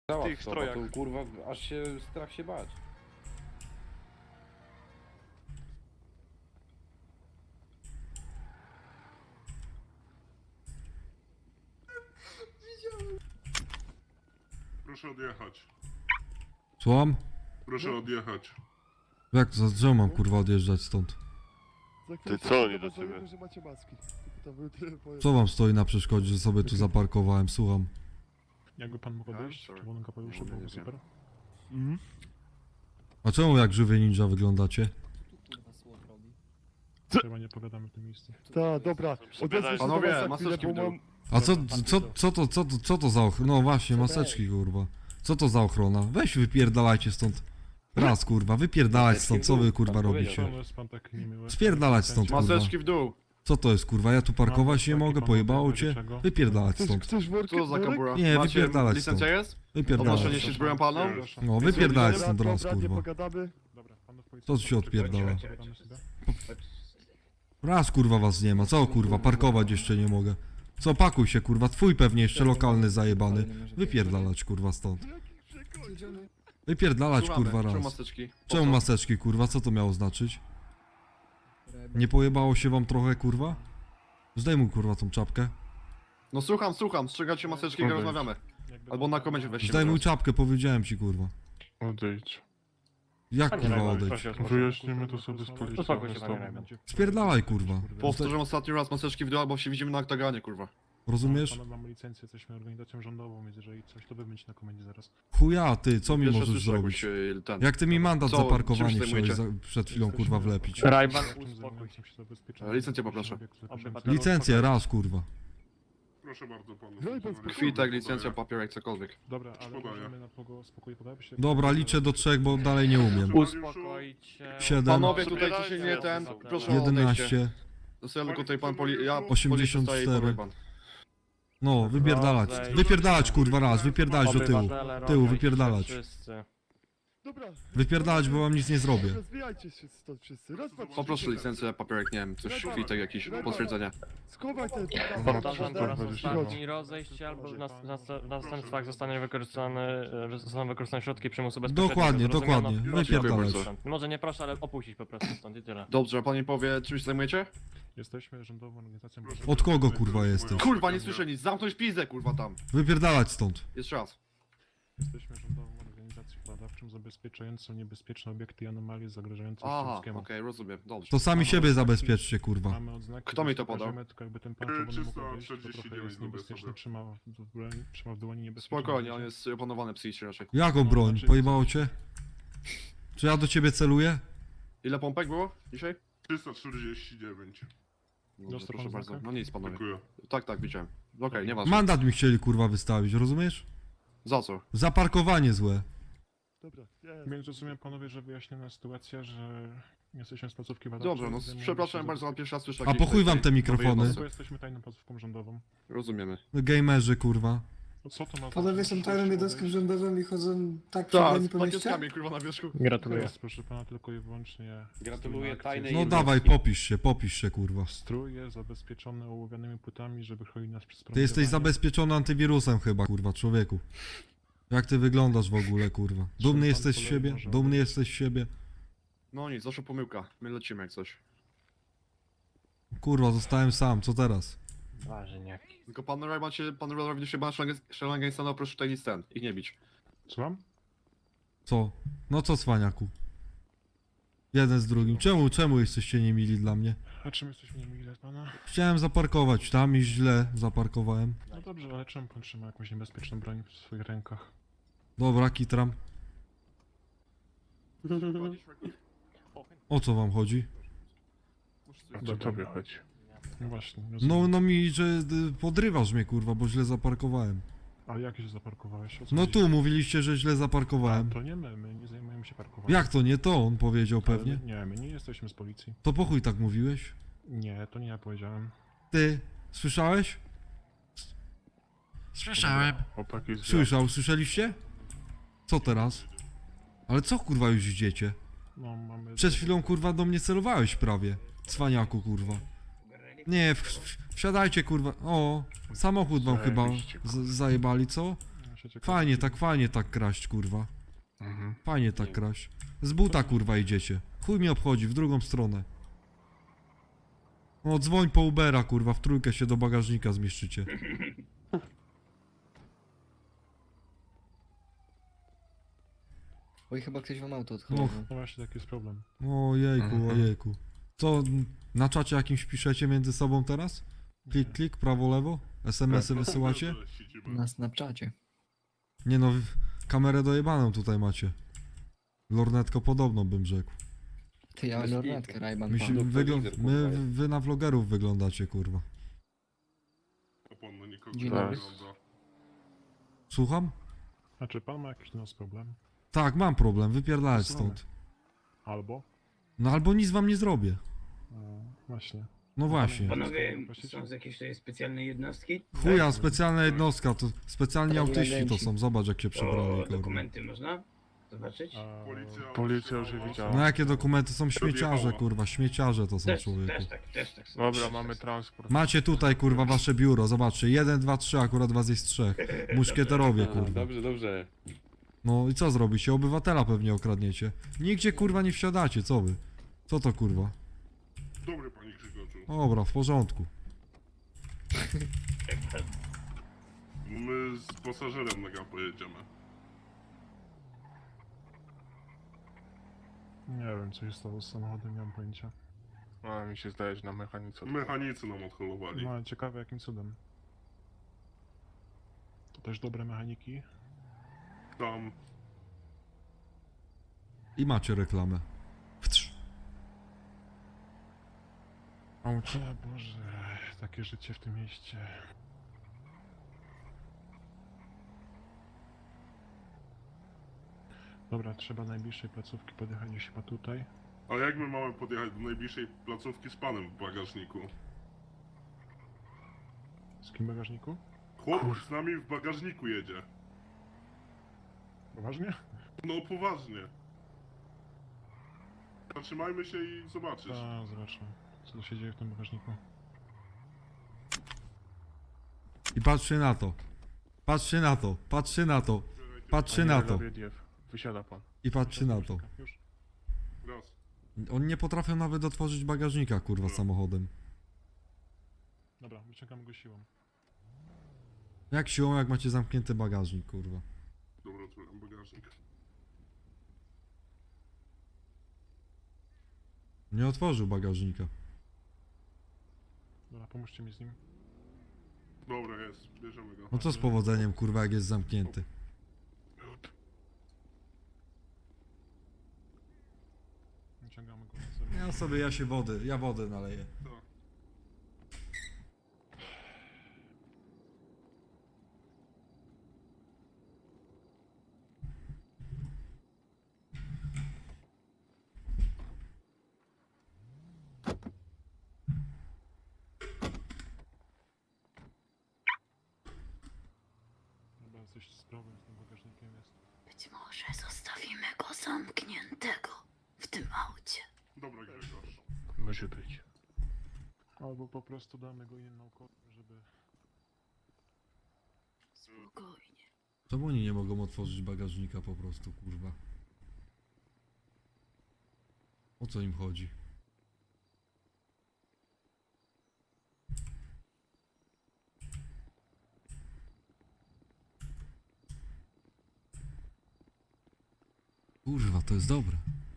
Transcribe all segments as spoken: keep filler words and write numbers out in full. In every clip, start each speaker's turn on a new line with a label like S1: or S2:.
S1: Załatw
S2: tych
S1: to,
S2: strojach.
S1: bo to, kurwa, aż się strach się bać.
S3: Proszę odjechać.
S4: Słucham?
S3: Proszę odjechać.
S4: Jak to, czemu mam kurwa odjeżdżać stąd?
S5: Za
S2: Ty
S5: chwilę
S2: co oni
S5: się
S2: do
S5: zobaczymy,
S2: ciebie?
S5: że macie maski. Tylko to były tyle powiem.
S4: Co wam stoi na przeszkodzie, że sobie tu zaparkowałem? Słucham.
S6: Jakby pan mógł
S3: A,
S6: odejść,
S3: sorry.
S6: czerwonym kapeluszem,
S3: Nie,
S6: byłoby
S3: nie
S6: super.
S5: Mhm.
S4: A czemu jak żywy ninja wyglądacie?
S6: Chyba nie opowiadamy w tym miejscu.
S5: Tak, dobra. Odezwę się
S2: Panowie,
S5: do was za chwilę,
S2: maseczki
S5: bo
S2: w dół.
S5: mam...
S4: A co, co, co to, co to, co to za ochrona? No właśnie, maseczki kurwa. Co to za ochrona? Weź wypierdalajcie stąd. Raz kurwa, wypierdalać stąd, co wy kurwa robicie?
S6: Czemu jest pan tak niemiły?
S4: Spierdalać stąd, kurwa.
S2: Maseczki w dół.
S4: Co to jest kurwa? Ja tu parkować nie mogę, pojebało cię? Wypierdalać
S5: Chcesz,
S4: stąd.
S5: chcesz workę?
S2: Co za
S5: worek?
S2: kabura?
S4: Nie,
S2: Macie
S4: wypierdalać
S2: licencja
S4: stąd.
S2: jest?
S4: Wypierdalać.
S2: Odnoszenie się zbroją palną?
S4: No wypierdalać
S5: Dobra,
S4: stąd raz
S5: dobra, nie
S4: kurwa.
S5: pogadamy.
S6: Dobra, panów
S4: Co tu się odpierdala?
S6: Pogadamy sobie.
S4: Raz kurwa was nie ma, co kurwa, parkować jeszcze nie mogę. Co, pakuj się kurwa, twój pewnie jeszcze lokalny zajebany. Wypierdalać kurwa stąd. Wypierdalać
S2: Słuchamy.
S4: kurwa
S2: Czemu
S4: raz.
S2: maseczki? Po
S4: Czemu
S2: co?
S4: maseczki kurwa, co to miało znaczyć? Nie pojebało się wam trochę kurwa? Zdejmuj kurwa tą czapkę.
S2: No słucham, słucham, strzegacie maseczki, jak
S3: Odejdź.
S2: rozmawiamy.
S6: Jakby
S2: Albo na komendzie weźcie.
S4: Zdejmuj
S2: teraz.
S4: czapkę, powiedziałem ci kurwa.
S3: Odejdź.
S4: Jak kurwa odejdź?
S3: Wyjaśnimy to sobie z policją.
S6: Uspokój się,
S3: bez
S6: panie
S3: tobą.
S6: Raymond.
S4: Spierdalaj kurwa.
S2: Powtórzę ostatni raz, maseczki w dół, albo się widzimy na oktaganie, kurwa.
S4: Rozumiesz?
S6: Panowie, mamy licencję, jesteśmy organizacją rządową, więc jeżeli coś, to wy będziecie na komendzie zaraz.
S4: Chuja ty, co mi
S2: Pierwsze
S4: możesz
S2: słyszę,
S4: zrobić?
S2: jakbyś, e, ten.
S4: Jak ty mi mandat
S2: Co-
S4: za
S2: czym
S4: parkowanie
S2: się
S4: chciałeś
S2: zajmujecie?
S4: za, przed chwilą kurwa wlepić?
S2: Rajban,
S6: uspokój się.
S2: E, licencję poproszę.
S4: Licencję raz kurwa.
S3: Proszę bardzo panu.
S5: No i pan spokojnie.
S2: Kwitek, licencja, papierek, cokolwiek.
S6: Dobra, ale
S3: Podaję.
S6: możemy na pogo- spokojnie pogadać się.
S4: Dobra, liczę do trzech, bo dalej nie umiem.
S7: Uspokoić się.
S4: Siedem,
S2: Panowie, tutaj ci się nie ten, proszę o odejście.
S4: jedenaście.
S2: Zostaje tylko tutaj pan poli... ja
S4: osiemdziesiąt
S2: policja
S4: cztery.
S2: staje i pan.
S4: No, wypierdalać. Wypierdalać kurwa raz, wypierdalać do tyłu.
S7: Obywatele,
S4: Tyłu,
S7: rodzice,
S4: wypierdalać.
S7: wszyscy.
S5: Dobra.
S4: Wypierdalać, bo wam nic nie zrobię.
S5: Rozwijajcie się stąd wszyscy. Raz, dwa, trzy.
S2: Poproszę licencję, papierek, nie wiem, coś, kwitek jakiś, potwierdzenie.
S5: Schowaj ten...
S7: Powtarzam po raz
S5: Chodź.
S7: ostatni, rozejść się albo w, nas, w, nas, w następstwach zostanie wykorzystane, e, zostaną wykorzystane środki przymusu bezpośredniego.
S4: Dokładnie,
S7: Zrozumiano?
S4: dokładnie.
S7: Proszę
S4: Wypierdalać.
S7: opuścić stąd. Może nie proszę, ale opuścić po prostu stąd i tyle.
S2: Dobrze, a pan mi powie, czym się zajmujecie?
S6: Jesteśmy rządową organizacją.
S4: Od kogo kurwa jesteś?
S2: Kurwa, nie słyszę nic, zamknąć pizdę, kurwa, tam.
S4: Wypierdalać stąd.
S2: Jeszcze raz.
S6: Jesteśmy rządową organizacją badawczą zabezpieczającą niebezpieczne obiekty i anomalie zagrażające
S2: Aha, okej,
S6: ludzkiemu.
S2: rozumiem, dobrze.
S4: To sami siebie zabezpieczcie kurwa.
S6: Mamy odznaki,
S2: Kto mi
S6: że
S2: to podał?
S6: pokażemy, tylko jakby ten pan
S3: Yy,
S6: czerwony mógł
S3: trzysta
S6: wyjść, to
S3: czterdzieści
S6: trochę
S3: dziewięć
S6: jest
S3: lubię
S6: niebezpieczny,
S3: sobie.
S6: trzyma w dłoni, trzyma w dłoni niebezpieczne.
S2: Spokojnie, on jest opanowany psychicznie raczej.
S4: Jaką broń? Pojebało cię? Czy ja do ciebie celuję?
S2: Ile pompek było dzisiaj?
S3: trzysta czterdzieści dziewięć.
S2: Dobrze,
S6: Dostał
S2: proszę
S6: pan
S2: bardzo.
S6: znakę?
S2: No nic, panowie.
S3: Dziękuję.
S2: Tak, tak, widziałem. Okej, nieważne.
S4: Mandat mi chcieli kurwa wystawić, rozumiesz?
S2: Za co?
S4: Za parkowanie złe.
S5: Dobra, jest.
S6: Więc rozumiem panowie, że wyjaśniona sytuacja, że jesteśmy z placówki badawczej.
S2: Dobrze, no
S6: zajmujemy
S2: przepraszam
S6: się
S2: bardzo, ale pierwszy raz słyszę
S4: A
S2: takiej-
S4: po chuj wam te
S2: tej-
S4: mikrofony?
S2: nowej
S6: Bo
S2: jednostce.
S6: jesteśmy tajną placówką rządową.
S2: Rozumiemy.
S4: Gamerzy kurwa.
S6: No co to ma
S8: Panowie są tajną jednostką rządową i chodzą tak przy
S2: Tak,
S8: broni
S2: z
S8: po mieście?
S2: pakietkami, kurwa, na wierzchu.
S6: Gratuluję. Proszę pana, tylko i wyłącznie...
S1: Gratuluję
S6: akcje.
S1: tajnej
S4: No
S1: jednostki.
S4: dawaj, popisz się, popisz się kurwa.
S6: Strój jest zabezpieczony ołowianymi płytami, żeby chronić nas przed
S4: Ty jesteś
S6: promieniowaniem.
S4: zabezpieczony antywirusem chyba kurwa, człowieku. Jak ty wyglądasz w ogóle kurwa? Dumny jesteś z siebie? Dumny jesteś z siebie?
S2: No nic, zawsze pomyłka. My lecimy jak coś.
S4: Kurwa, zostałem sam, co teraz?
S7: Warzeniaki.
S2: Tylko pan Rayman się, pan Rayman się ma Shellangen stanął, proszę tutaj nic ten, ich nie bić.
S6: Słucham?
S4: Co? No co cwaniaku? Jeden z drugim. Czemu, czemu jesteście niemili dla mnie?
S6: A czym jesteśmy niemili dla pana?
S4: Chciałem zaparkować tam i źle zaparkowałem.
S6: No dobrze, ale czemu pan trzyma jakąś niebezpieczną broń w swoich rękach?
S4: Dobra, kitram. O co wam chodzi?
S3: Do tobie chodzi.
S6: No właśnie,
S4: No,
S6: rozumiem.
S4: no mi, że y, podrywasz mnie kurwa, bo źle zaparkowałem.
S6: A jak się zaparkowałeś? O co
S4: No
S6: chodzi?
S4: tu mówiliście, że źle zaparkowałem.
S6: To nie my, my nie zajmujemy się parkowaniem.
S4: Jak to nie to? On powiedział
S6: Ale
S4: pewnie.
S6: Nie, my nie jesteśmy z policji.
S4: To po chuj tak mówiłeś?
S6: Nie, to nie ja powiedziałem.
S4: Ty, słyszałeś? Słyszałem.
S3: Chłopaki z
S4: Słyszał, słyszeliście? Co teraz? Ale co kurwa już idziecie?
S6: No, mamy...
S4: Przed chwilą kurwa do mnie celowałeś prawie. Cwaniaku kurwa. Nie, w, w, wsiadajcie kurwa. O, samochód wam chyba z, zajebali, co?
S6: Przecież
S4: Fajnie, tak fajnie tak kraść, kurwa.
S3: Mhm.
S4: Fajnie tak kraść. Z buta, kurwa, idziecie. Chuj mnie obchodzi, w drugą stronę. O, dzwoń po Ubera, kurwa, w trójkę się do bagażnika zmieszczycie.
S9: Oj, chyba ktoś wam auto
S4: No.
S9: odchodził.
S6: No właśnie, taki jest problem.
S4: Ojejku,
S3: Mhm.
S4: ojejku. Co, n- na czacie jakimś piszecie między sobą teraz? Klik, klik, prawo, lewo? es em esy wysyłacie?
S3: Że siedzimy.
S9: Na Snapchacie.
S4: Nie no, w- kamerę dojebaną tutaj macie. Lornetko podobno bym rzekł.
S9: Ty, ja
S1: Bez
S9: lornetkę,
S1: kitu.
S9: Rajban.
S4: My
S9: pan.
S4: się,
S1: No,
S4: wygl-
S1: telewizor,
S4: my,
S1: kurwa.
S4: wy na vlogerów wyglądacie, kurwa.
S3: A pan na nikogo
S9: Dzień
S3: nie
S9: dobry.
S3: wygląda.
S4: Słucham?
S6: A czy pan ma jakiś do nas problem?
S4: Tak, mam problem, wypierdalać
S6: Słuchamy.
S4: stąd.
S6: Albo?
S4: No albo nic wam nie zrobię.
S6: No, właśnie.
S4: No właśnie.
S10: Panowie,
S6: Właściciel?
S10: są z jakiejś tutaj specjalnej jednostki?
S4: Chuja, specjalna jednostka, to specjalni
S9: Prawie
S4: autyści to
S9: agenci.
S4: są, zobacz jak się przebrali,
S10: To
S4: kurwa.
S10: dokumenty można zobaczyć?
S6: A,
S3: Policja,
S1: Policja już je widziała.
S4: No jakie dokumenty są śmieciarze,
S3: Rozjechała.
S4: kurwa, śmieciarze to są,
S10: Też,
S4: człowieku.
S10: też tak, też tak.
S1: Dobra, mamy transport.
S4: Macie tutaj, kurwa, wasze biuro, zobaczcie, jeden, dwa, trzy, akurat was jest trzech. Muszkieterowie,
S1: A,
S4: kurwa.
S1: Dobrze, dobrze.
S4: No i co zrobicie? Obywatela pewnie okradniecie. Nigdzie, kurwa, nie wsiadacie, co wy? Co to, kurwa?
S3: Dobry panie Grzegorzu.
S4: Dobra, w porządku.
S3: My z pasażerem na gam pojedziemy.
S6: nie wiem, co się stało z samochodem, nie mam pojęcia.
S1: A mi się zdaje, że na mechanice.
S3: Mechanicy nam odholowali.
S6: No, ale ciekawe jakim cudem. To też dobre mechaniki.
S3: Tam
S4: I macie reklamę. Wtrz.
S6: O Boże, takie życie w tym mieście. Dobra, trzeba najbliższej placówki podjechać gdzieś chyba tutaj.
S3: A jak my mamy podjechać do najbliższej placówki z panem w bagażniku?
S6: Z kim w bagażniku?
S3: Chłop z nami w bagażniku jedzie.
S6: Poważnie?
S3: No poważnie. Zatrzymajmy się i zobaczysz.
S6: A, zobaczmy, co tu się dzieje w tym bagażniku.
S4: I patrzy na to. Patrzy na to, patrzy na to, patrzy na to.
S1: Wysiada pan.
S4: I patrzy na to.
S6: Już?
S3: Raz.
S4: Oni nie potrafią nawet otworzyć bagażnika, kurwa, samochodem.
S6: Dobra, wyciągamy go siłą.
S4: Jak siłą, jak macie zamknięty bagażnik, kurwa.
S3: Dobra, otwieram bagażnik.
S4: Nie otworzył bagażnika.
S6: Dobra, pomóżcie mi z nim.
S3: Dobra, jest. Bierzemy go.
S4: No co z powodzeniem, kurwa, jak jest zamknięty?
S6: Wyciągamy go na zewnątrz.
S4: Ja sobie, ja się wody, ja wodę naleję.
S3: Tak.
S6: Chyba coś z problem z tym bagażnikiem jest.
S11: Być może zostawimy go zamkniętego w tym aucie.
S3: Dobra, Grzegorz.
S1: Może być.
S6: Albo po prostu damy go innym naukowcom, żeby...
S11: Spokojnie.
S4: Czemu oni nie mogą otworzyć bagażnika po prostu, kurwa? O co im chodzi? Kurwa, to jest dobre.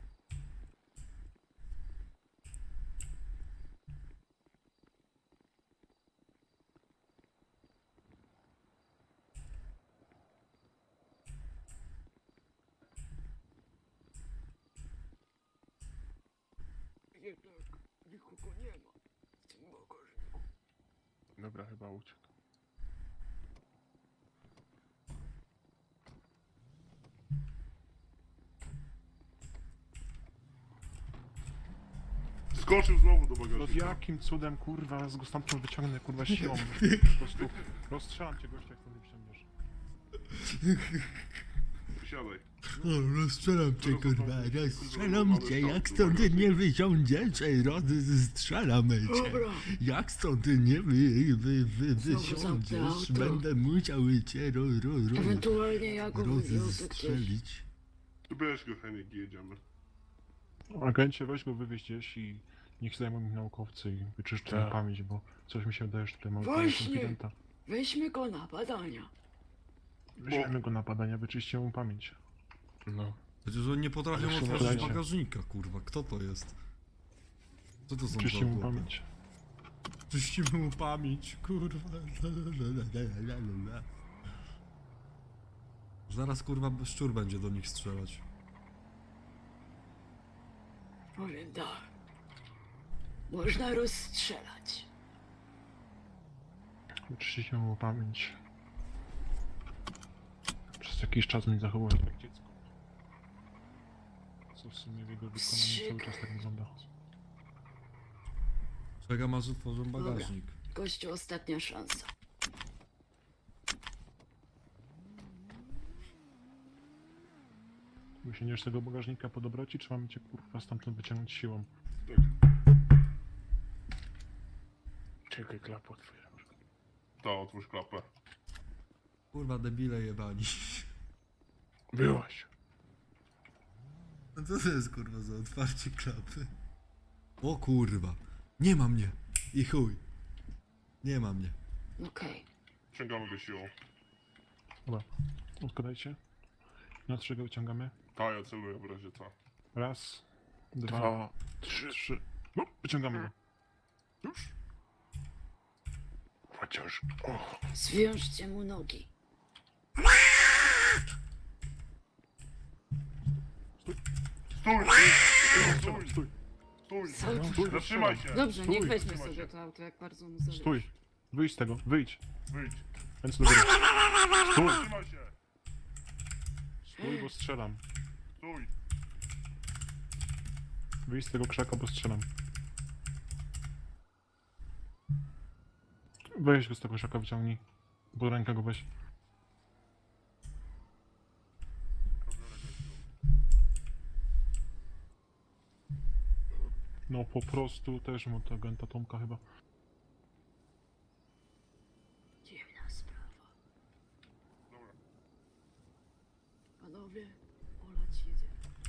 S10: Jednak nikogo nie ma w tym bagażniku.
S1: Dobra, chyba uciekł.
S3: Skoczył znowu do
S6: No
S3: bagażnika.
S6: jakim cudem, kurwa, z go stamtąd wyciągnę, kurwa, siłą. Po prostu rozstrzelam cię, gościa, jak stąd nie wsiądziesz.
S3: Wysiadaj.
S4: No, rozstrzelam cię, kurwa, rozstrzelam cię, jak stąd nie wysiądziesz, ej, rozstrzelamy cię.
S11: Dobra.
S4: Jak stąd nie wy, wy, wy,
S11: Znowu zamknę
S4: wysiądziesz,
S11: auto.
S4: będę musiał cię ro, ro, ro,
S11: Ewentualnie ja go wywiozę gdzieś.
S4: rozstrzelić.
S3: Bierz go, Henik, i jedziemy.
S6: Agencie, weź go wywieź gdzieś i niech zajmą mi naukowcy i wyczyszczą
S1: Tak.
S6: pamięć, bo coś mi się wydaje, że tutaj mamy
S11: Właśnie.
S6: konfidenta.
S11: Weźmy go na badania.
S6: Weźmiemy go na badania, wyczyścimy mu pamięć.
S1: No.
S4: Przecież oni nie potrafią
S6: Ale
S4: otworzyć
S6: słuchajcie.
S4: bagażnika, kurwa, kto to jest? Co to są za
S6: Wyczyścimy mu
S4: chłopy?
S6: pamięć.
S4: Czyścimy mu pamięć, kurwa. Zaraz, kurwa, szczur będzie do nich strzelać.
S11: Powiem tak. Można rozstrzelać.
S6: Wyczyścimy mu pamięć. Przez jakiś czas nie zachował się jak dziecko. Co w sumie w jego wykonaniu cały czas tak wygląda.
S4: Czekam aż otworzą bagażnik.
S11: Gościu, ostatnia szansa.
S6: Wysiędziesz z tego bagażnika po dobroci, czy mamy cię kurwa stamtąd wyciągnąć siłą?
S1: Czekaj, klap otwieram.
S3: To, otwórz klapę.
S4: Kurwa, debile jebani.
S1: Byłaś.
S4: No co to jest, kurwa, za otwarcie klapy? O kurwa, nie ma mnie. I chuj. Nie ma mnie.
S11: Okej.
S3: Ciągamy go siłą.
S6: Dobra, odkładajcie. Na trzy go wyciągamy.
S3: Ta, ja celuję w razie co.
S6: Raz, dwa,
S1: Dwa.
S6: trzy, trzy. No, wyciągamy go.
S1: Już? Chociaż... O,
S11: Zwiążcie mu nogi.
S3: Stój! Stój! Stój! Stój!
S11: Stój.
S3: Stój! Zatrzymaj się!
S11: Dobrze,
S6: Stój.
S11: niech weźmie
S3: Trzymaj
S11: sobie
S3: się.
S11: to auto, jak bardzo mu zależy.
S6: Stój! Wyjdź z tego, wyjdź!
S3: Wyjdź!
S6: Ręce do góry. Stój!
S3: Zatrzymaj się!
S6: Stój, bo strzelam.
S3: Stój!
S6: Wyjdź z tego krzaka, bo strzelam. Weź go z tego krzaka, wyciągnij. Bo rękę go weź. No po prostu też mu to agenta Tomka chyba.
S11: Dziwna sprawa. Panowie, olać jedzie.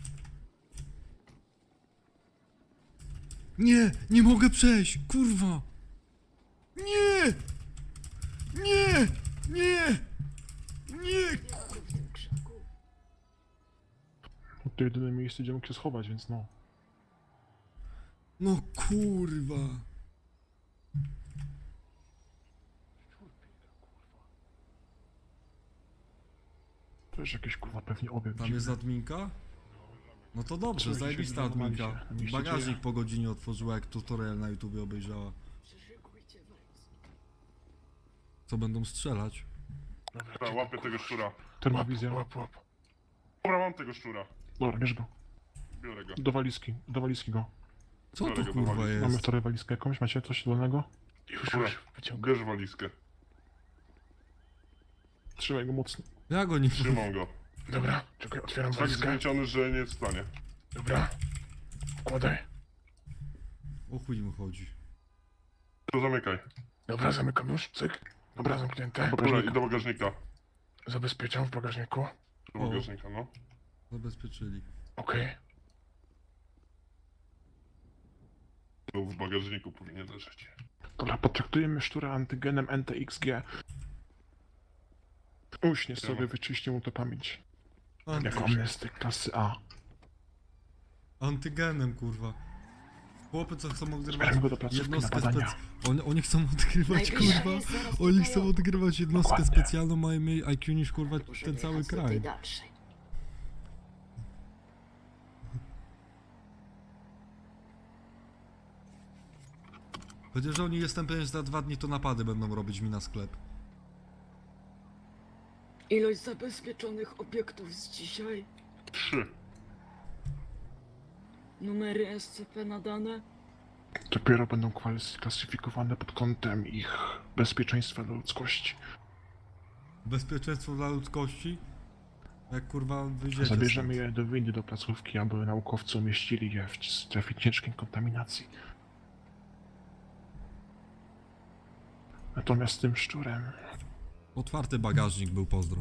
S4: Nie, nie mogę przejść, kurwa. Nie! Nie! Nie! Nie!
S11: Jak w tym krzaku?
S6: To jedyne miejsce, gdzie mógł się schować, więc no.
S4: No kurwa.
S6: To jest jakiś kurwa pewnie obieg.
S4: Tam
S6: dziwny.
S4: jest adminka? No to dobrze,
S6: Co,
S4: zajebista
S6: dzisiaj
S4: adminka.
S6: normalnie się na mieście
S4: Bagażnik
S6: dzieje?
S4: po godzinie otworzyła, jak tutorial na YouTubie obejrzała.
S11: Przyszykujcie walizki.
S4: Co będą strzelać?
S1: dobra,
S3: Ta, łapię tego szczura.
S6: Termowizja.
S1: Łap, łap.
S3: Dobra, mam tego szczura.
S6: Dobra, bierz go.
S3: Biorę go.
S6: Do waliski, do walizki go.
S4: Co
S3: Biorę
S4: to
S3: go do
S4: kurwa
S3: walizki.
S6: Mamy
S4: jest?
S6: wczoraj walizkę jakąś, macie coś dolnego?
S1: Już,
S3: Dobra.
S1: już, wyciągam.
S3: Bierz walizkę.
S6: Trzymaj go mocno.
S4: Ja go nie
S3: Trzymam go.
S1: Dobra, czekaj, otwieram
S3: Tak
S1: walizkę.
S3: zmęczony, że nie wstanie.
S1: Dobra. Wkładaj.
S4: O chuj mu chodzi.
S3: To zamykaj.
S1: Dobra, zamykam już, cyk. Dobra, zamknięte.
S3: Dobra, i do bagażnika.
S1: Zabezpieczam w bagażniku.
S3: Do
S4: O.
S3: bagażnika, no.
S4: Zabezpieczyli.
S1: Okej.
S3: To w bagażniku powinien leżeć.
S6: Dobra, potraktujemy szczura antygenem N T X G. Uśnie sobie,
S3: Dobra.
S6: wyczyści mu to pamięć.
S4: Anty
S6: Jako amnesty klasy A.
S4: antygenem kurwa. Chłopy co chcą odgrywać
S6: Zbieramy go do placówki na
S4: jednostkę
S6: badania.
S4: spec... Oni, oni chcą odgrywać
S11: Najbliższa
S4: kurwa.
S11: jest zaraz
S4: Oni
S11: tutaj
S4: chcą
S11: obok.
S4: odgrywać jednostkę
S6: Dokładnie.
S4: specjalną, mają mniej I Q niż kurwa
S11: Muszę
S4: ten cały
S11: wjechać do tej
S4: kraj.
S11: dalszej.
S4: Chociaż oni jestem pewien, że za dwa dni to napady będą robić mi na sklep.
S11: Ilość zabezpieczonych obiektów z dzisiaj.
S3: Trzy.
S11: Numery S C P nadane.
S6: Dopiero będą kwalifik- klasyfikowane pod kątem ich bezpieczeństwa dla ludzkości.
S4: Bezpieczeństwo dla ludzkości? Jak kurwa wyjdziecie
S6: Zabierzemy
S4: stąd.
S6: je do windy do placówki, aby naukowcy umieścili je w strefie ciężkiej kontaminacji. Natomiast z tym szczurem...
S4: Otwarty bagażnik był, pozdro.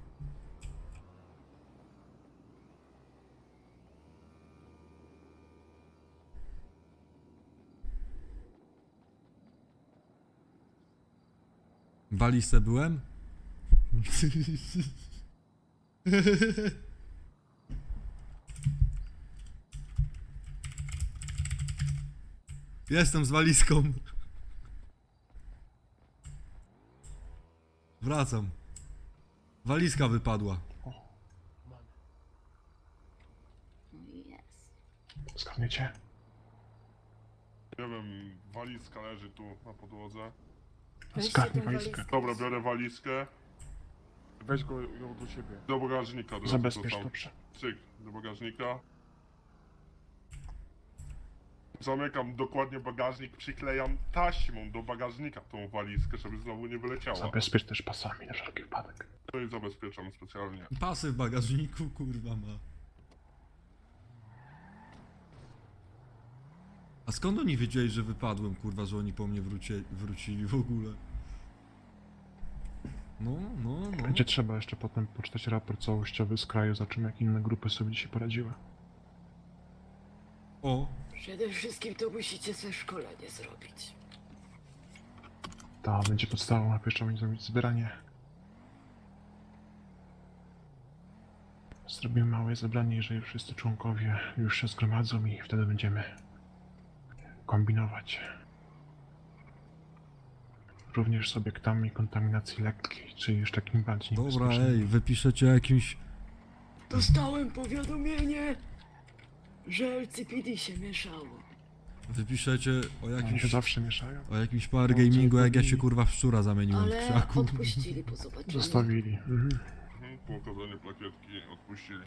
S4: W walizce byłem? Jestem z walizką. Wracam. Walizka wypadła.
S11: Jest.
S6: Zgadniecie?
S3: Nie wiem, walizka leży tu na podłodze.
S6: Zgarnij walizkę.
S3: Dobra, biorę walizkę.
S1: Weź go ją do siebie.
S3: Do bagażnika. Do
S6: Zabezpiecz,
S3: to tam.
S6: dobrze.
S3: Cyk, do bagażnika. Zamykam dokładnie bagażnik, przyklejam taśmą do bagażnika tą walizkę, żeby znowu nie wyleciała.
S6: Zabezpiecz też pasami na wszelki wypadek.
S3: No i zabezpieczam specjalnie.
S4: Pasy w bagażniku, kurwa ma. A skąd oni wiedzieli, że wypadłem, kurwa, że oni po mnie wróci, wrócili w ogóle? No, no, no.
S6: Będzie trzeba jeszcze potem poczytać raport całościowy z kraju, zobaczymy jak inne grupy sobie dzisiaj poradziły.
S4: O,
S11: Przede wszystkim to musicie sobie szkolenie zrobić.
S6: To będzie podstawą, a pierwszą będzie zrobić zbieranie. Zrobimy małe zebranie, jeżeli wszyscy członkowie już się zgromadzą i wtedy będziemy kombinować. Również z obiektami kontaminacji lekkiej, czy już takim bardziej
S4: dobra,
S6: niebezpiecznymi.
S4: ej, wypiszecie o jakimś...
S11: Dostałem powiadomienie, że L C P D się mieszało.
S4: Wypiszecie o
S6: Oni się
S4: jakimś...
S6: zawsze mieszają.
S4: O jakimś power gamingu, jak ja się kurwa w szczura zamieniłem w
S11: Ale
S4: krzaku.
S11: odpuścili po zobaczeniu.
S6: Zostawili. Mhm.
S3: Mhm, po okazaniu plakietki odpuścili.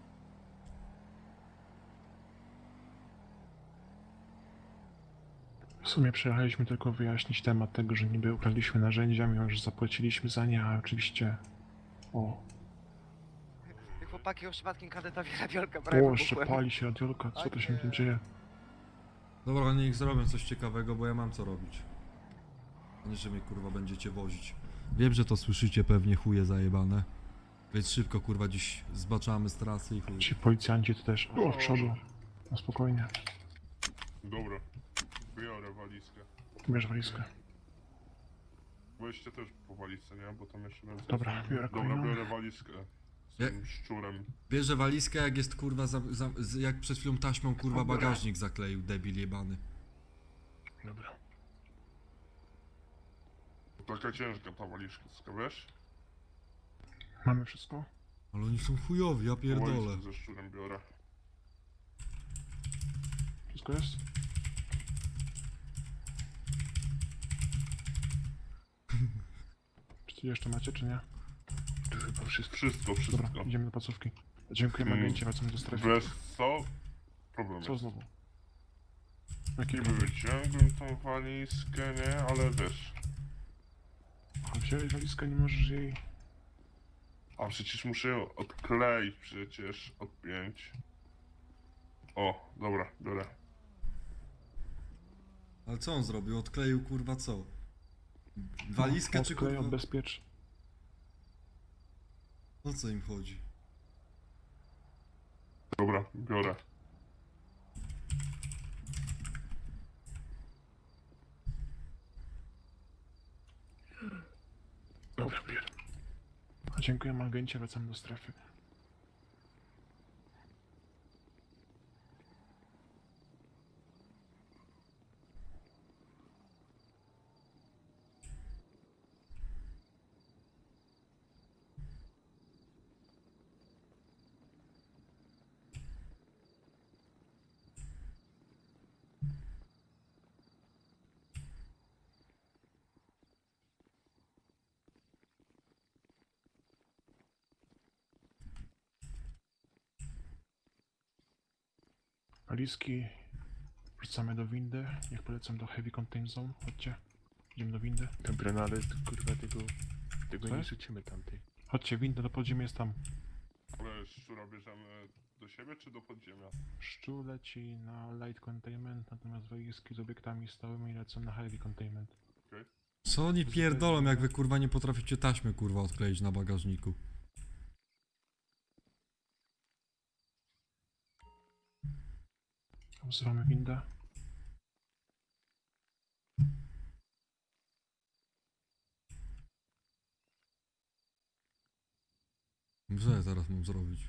S6: W sumie przyjechaliśmy tylko wyjaśnić temat tego, że niby ukradliśmy narzędzia, mimo że zapłaciliśmy za nie, a oczywiście... O,
S10: Chłopaki o przypadkiem kadetowi radiolka
S6: o jeszcze pali się radiolka, co to się w tym dzieje?
S4: Dobra, niech zrobią coś ciekawego, bo ja mam co robić. A nie, że mnie kurwa będziecie wozić. Wiem, że to słyszycie pewnie, chuje zajebane. Więc szybko kurwa dziś zbaczamy z trasy i chuj.
S6: Ci policjanci to też... O, w przodu. No spokojnie.
S3: Dobra, biorę walizkę.
S6: Bierz walizkę.
S3: Weźcie też po walizce, nie? Bo tam jeszcze więcej.
S6: Dobra, biorę
S3: Dobra,
S6: kolejną.
S3: biorę walizkę. Z
S4: Ja-
S3: tym szczurem.
S4: Bierze walizkę, jak jest kurwa, za, za, z- jak przed chwilą taśmą kurwa bagażnik zakleił, debil jebany.
S6: Dobra.
S3: Taka ciężka ta walizka, wiesz?
S6: Mamy wszystko?
S4: Ale oni są chujowi, ja pierdolę.
S3: Walizkę ze szczurem biorę.
S6: Wszystko jest? Czy coś jeszcze macie, czy nie?
S3: To chyba wszystko. Wszystko, wszystko.
S6: Dobra, idziemy do placówki. Dziękujemy,
S3: Mm,
S6: agencie, wracamy do strefy.
S3: Wiesz co? Problem
S6: Co
S3: jest.
S6: znowu? Jaki
S3: Niby wyciągłem tą walizkę, nie? Ale wiesz...
S6: A wziąłeś walizkę, nie możesz jej...
S3: A przecież muszę ją odkleić, przecież odpiąć. O, dobra, biorę.
S4: Ale co on zrobił? Odkleił kurwa co? Walizkę czy
S6: Odklej,
S4: kurwa?
S6: odbezpiecz.
S4: O co im chodzi?
S3: Dobra, biorę.
S6: Dobra, bierę. Dziękujemy, agencie, wracamy do strefy. Walizki wrzucamy do windy. Niech polecam do Heavy Contain Zone. Chodźcie. Idziemy do windy.
S1: Dobra, no ale to, kurwa tego... Tego
S6: Co
S1: nie
S6: jest?
S1: rzucimy tamtej.
S6: Chodźcie, winda do podziemia jest tam.
S3: szczura bierzemy do siebie czy do podziemia?
S6: Szczur leci na light containment, natomiast walizki z obiektami stałymi lecą na heavy containment.
S4: Co oni pierdolą, jak wy kurwa nie potraficie taśmy kurwa odkleić na bagażniku?
S6: Wzywamy windę.
S4: Co ja teraz mam zrobić?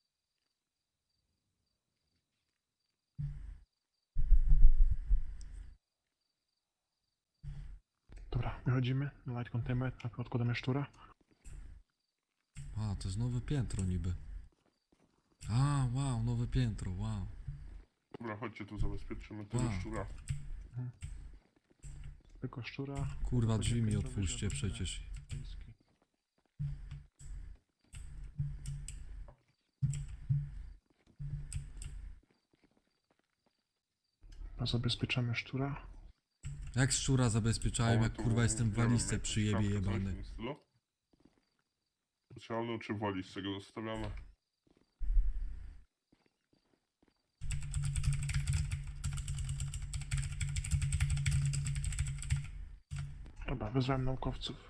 S6: Dobra, wychodzimy na light containment, a odkładamy szczura.
S4: A, to jest nowe piętro niby. A, wow, nowe piętro, wow.
S3: Dobra, chodźcie tu zabezpieczymy tego
S4: Wow.
S3: szczura.
S6: Tylko szczura.
S4: Kurwa, drzwi mi
S6: Piętro
S4: otwórzcie
S6: będzie
S4: przecież.
S6: walizki. A zabezpieczamy szczura.
S4: Jak szczura zabezpieczałem, jak
S3: O, tu
S4: kurwa jestem w
S3: nie wiem,
S4: walizce
S3: jakąś
S4: przyjebie
S3: szafkę, coś w
S4: jebany.
S3: tym stylu? Specjalną czy w walizce go zostawiamy?
S6: Dobra, wezwałem naukowców.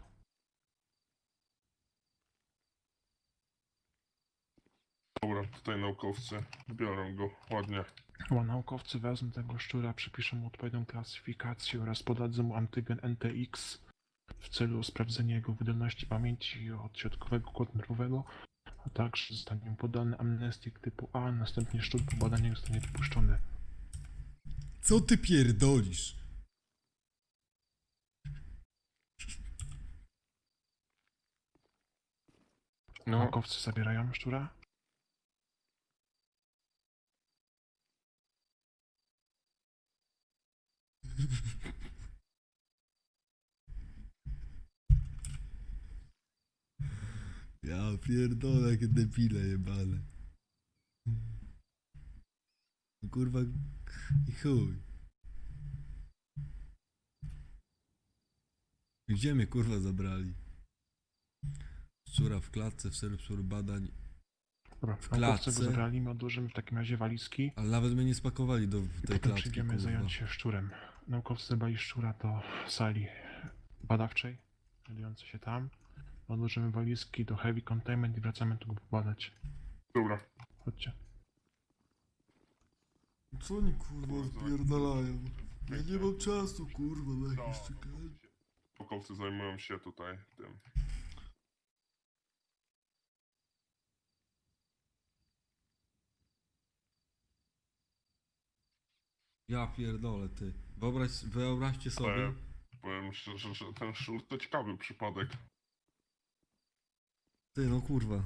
S3: Dobra, tutaj naukowcy biorą go ładnie.
S6: Chyba naukowcy wezmą tego szczura, przypiszą mu odpowiednią klasyfikację oraz podadzą mu antygen N T X w celu sprawdzenia jego wydolności pamięci odśrodkowego układu nerwowego, a także zostanie mu podany amnestik typu A, następnie szczur po badaniach zostanie wypuszczony.
S4: Co ty pierdolisz?
S7: No,
S6: Naukowcy zabierają szczura.
S4: Ja pierdolę, jakie debile jebane. Kurwa, i chuj. Gdzie mnie kurwa zabrali? Szczura w klatce w celu szczur badań,
S6: Dobra,
S4: W
S6: naukowcy go
S4: klatce?
S6: zabrali, my odłożymy w takim razie walizki
S4: ale nawet mnie nie spakowali do
S6: i
S4: tej
S6: potem
S4: klatki,
S6: przyjdziemy
S4: kurwa.
S6: zająć się szczurem. Naukowcy zabrali szczura do sali badawczej, znajdującej się tam. Odłożymy walizki do heavy containment i wracamy tu go pobadać.
S3: Dobra.
S6: Chodźcie.
S4: Co oni kurwa odpierdalają? Ja nie mam czasu kurwa na
S3: No,
S4: jakieś czekanie.
S3: naukowcy zajmują się tutaj tym.
S4: Ja pierdolę ty. Wyobraź, wyobraźcie sobie.
S3: Ale powiem szczerze, że ten szczur to ciekawy przypadek.
S4: Ty no kurwa.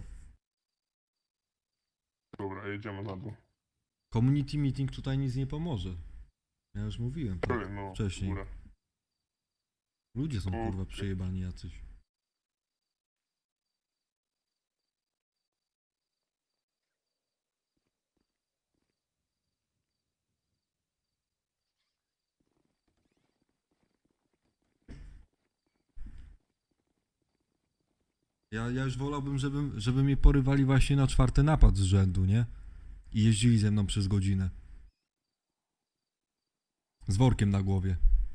S3: Dobra, jedziemy na dół.
S4: Community meeting tutaj nic nie pomoże. Ja już mówiłem tak
S3: Ej, no,
S4: wcześniej.
S3: w górę.
S4: Ludzie są kurwa
S3: Okej.
S4: przejebani jacyś. Ja, ja już wolałbym, żeby, żeby mnie porywali właśnie na czwarty napad z rzędu, nie? I jeździli ze mną przez godzinę. Z workiem na głowie.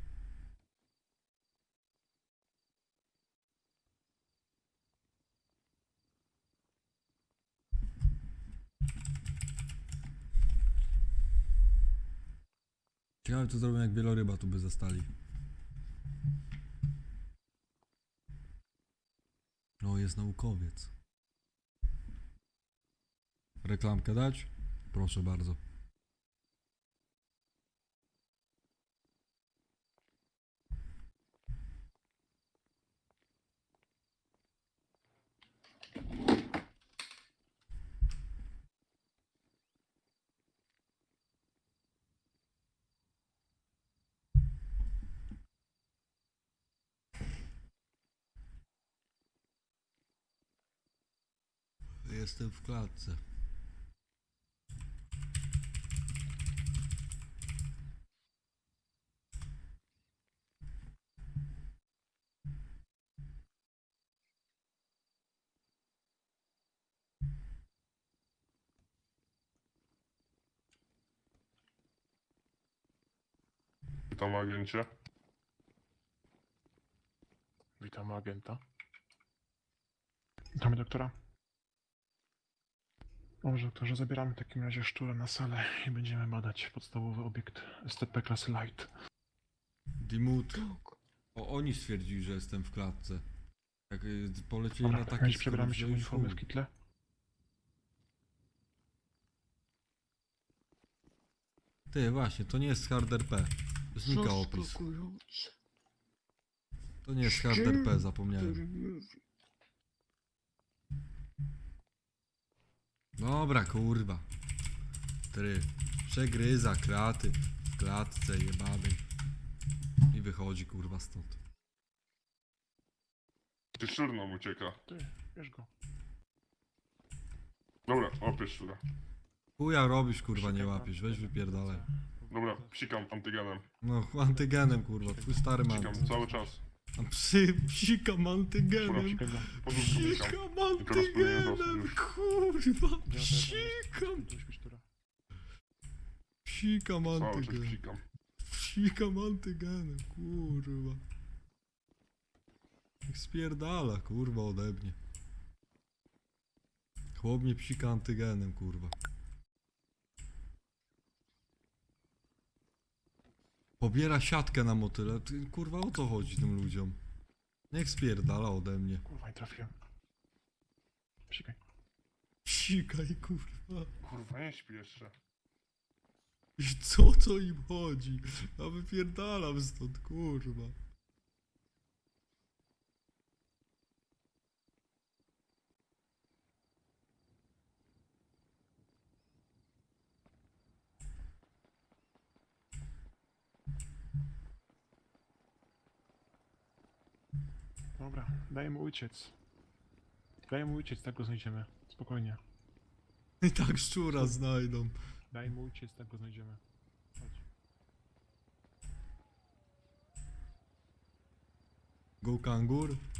S4: Ciekawe co zrobią jak wieloryba tu by zastali. O, jest naukowiec. Reklamkę dać? Proszę bardzo. Jestem w klatce.
S3: Witam agencie.
S6: Witam agenta. Witamy doktora. Dobrze, doktorze, zabieramy w takim razie szczura na salę i będziemy badać podstawowy obiekt S T P klasy Light.
S4: Dimut. O, oni stwierdzili, że jestem w klatce. Jak y, polecieli
S6: Dobra,
S4: na
S6: w
S4: taki
S6: takim razie przebieramy się w
S4: skrót, że już
S6: uniformy w
S4: chuj.
S6: kitle.
S4: Ty, właśnie, to nie jest hard R P. Znika opis.
S11: Zaskakujące.
S4: To nie jest hard R P, zapomniałem.
S11: Który mówi.
S4: Dobra, kurwa. Try. Przegryza kraty w klatce jebanej. I wychodzi, kurwa, stąd.
S3: Ty szczur nam ucieka.
S6: Ty, bierz go.
S3: Dobra, łapiesz szczura.
S4: Chuja robisz, kurwa, nie łapiesz. Weź wypierdalaj.
S3: Dobra, psikam antygenem.
S4: No, antygenem, kurwa. Twój stary man.
S3: Psikam cały czas.
S4: A psy, psikam
S3: Dobra,
S4: antygenem.
S6: Psikaj go.
S3: Podróżku psikam.
S4: Psikam
S3: I teraz powinien zostać
S4: antygenem,
S3: już.
S4: kurwa. Psikam.
S6: Do szpicztura.
S4: Psikam
S3: Cały czas
S4: antygenem.
S3: psikam.
S4: Psikam antygenem, kurwa. Niech spierdala, kurwa, ode mnie. Chłop mnie psika antygenem, kurwa. Pobiera siatkę na motyle. Ty, kurwa, o co chodzi tym ludziom? Niech spierdala ode mnie.
S6: Kurwa, nie trafiłem. Psikaj.
S4: Psikaj, kurwa.
S3: Kurwa, nie śpi jeszcze.
S4: I co to im chodzi? Ja wypierdalam stąd, kurwa.
S6: Dobra, daj mu uciec. Daj mu uciec, tak go znajdziemy. Spokojnie.
S4: I tak szczura znajdą.
S6: Daj mu uciec, tak go znajdziemy. Chodź.
S4: Go kangur?